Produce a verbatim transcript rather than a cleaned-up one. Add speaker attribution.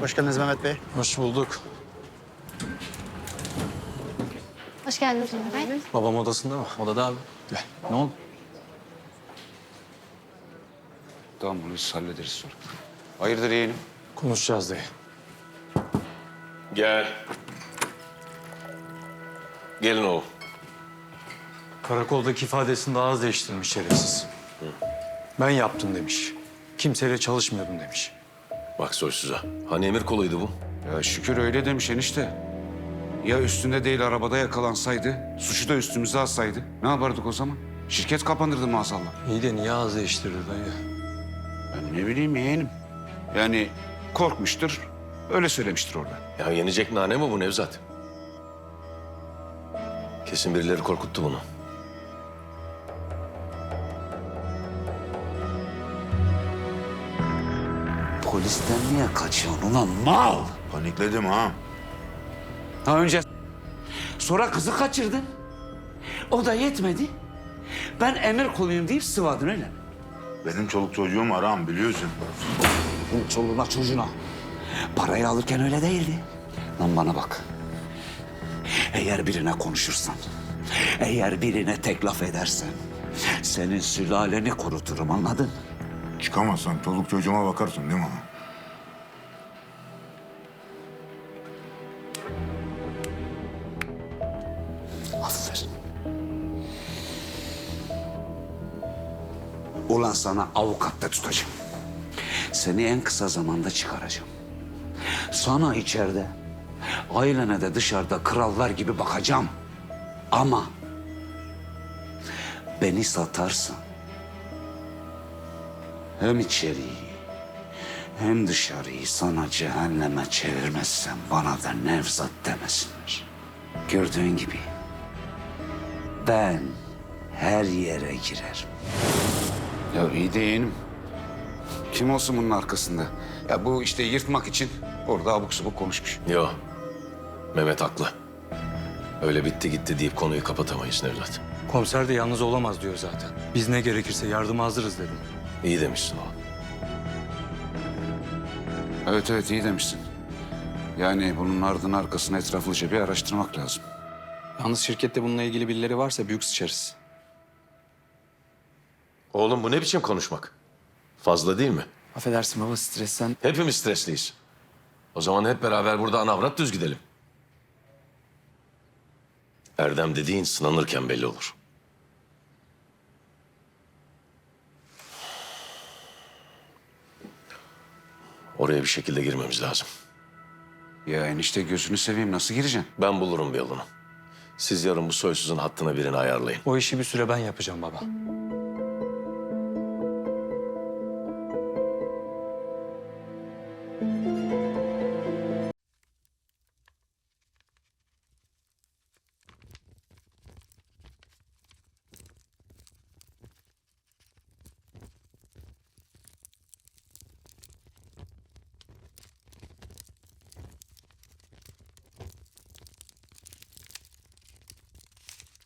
Speaker 1: Hoş geldiniz Mehmet Bey.
Speaker 2: Hoş bulduk.
Speaker 3: Hoş geldiniz Ömer Bey.
Speaker 2: Babam odasında mı?
Speaker 4: Odada abi.
Speaker 2: Gel.
Speaker 4: Ne oldu?
Speaker 5: Tamam bunu biz hallederiz sonra. Hayırdır yeğenim?
Speaker 2: Konuşacağız dayı.
Speaker 6: Gel. Gelin oğlum.
Speaker 2: Karakoldaki ifadesini daha az değiştirmiş şerefsiz. Ben yaptım demiş. Kimseyle çalışmıyordum demiş.
Speaker 6: Bak soysuza. Hani emir koluydu bu?
Speaker 5: Ya şükür öyle demiş enişte. Ya üstünde değil arabada yakalansaydı, suçu da üstümüze alsaydı ne yapardık o zaman? Şirket kapanırdı maazallah.
Speaker 2: İyi de niye az değiştirdi dayı?
Speaker 5: Ben ne bileyim yeğenim. Yani korkmuştur, öyle söylemiştir orada.
Speaker 6: Ya yenecek nane mi bu Nevzat? Kesin birileri korkuttu bunu.
Speaker 5: Polisten niye kaçıyorsun ulan mal?
Speaker 7: Panikledim ha.
Speaker 5: Ha önce sonra kızı kaçırdın. O da yetmedi. Ben emir kuluyum deyip sıvadın öyle mi?
Speaker 7: Benim çoluk çocuğum aram biliyorsun.
Speaker 5: Senin çoluğuna çocuğuna. Parayı alırken öyle değildi. Lan bana bak. Eğer birine konuşursan, eğer birine tek laf edersen... ...senin sülaleni kuruturum anladın?
Speaker 7: Çıkamazsan çoluk çocuğuma bakarsın değil mi?
Speaker 5: Aferin. Ulan sana avukat da tutacağım. Seni en kısa zamanda çıkaracağım. Sana içeride, ailene de dışarıda krallar gibi bakacağım. Ama beni satarsan hem içeriği hem dışarıyı sana cehenneme çevirmezsen bana da Nevzat demesinler. Gördüğün gibi ben her yere girerim. Ya iyi de yeğenim. Kim olsun bunun arkasında? Ya bu işte yırtmak için orada abuk subuk konuşmuş.
Speaker 6: Yo. Mehmet haklı. Öyle bitti gitti deyip konuyu kapatamayız Nevzat.
Speaker 2: Komiser de yalnız olamaz diyor zaten. Biz ne gerekirse yardıma hazırız dedim.
Speaker 6: İyi demişsin oğlum.
Speaker 5: Evet evet iyi demişsin. Yani bunun ardını arkasını etraflıca bir araştırmak lazım.
Speaker 4: Yalnız şirkette bununla ilgili birileri varsa büyük sıçarız.
Speaker 6: Oğlum bu ne biçim konuşmak? Fazla değil mi?
Speaker 4: Affedersin baba stresten.
Speaker 6: Hepimiz stresliyiz. O zaman hep beraber burada anavrat düz gidelim. Erdem dediğin sınanırken belli olur. Oraya bir şekilde girmemiz lazım.
Speaker 5: Ya enişte gözünü seveyim nasıl gireceksin?
Speaker 6: Ben bulurum bir yolunu. Siz yarın bu soysuzun hattına birini ayarlayın.
Speaker 2: O işi bir süre ben yapacağım baba.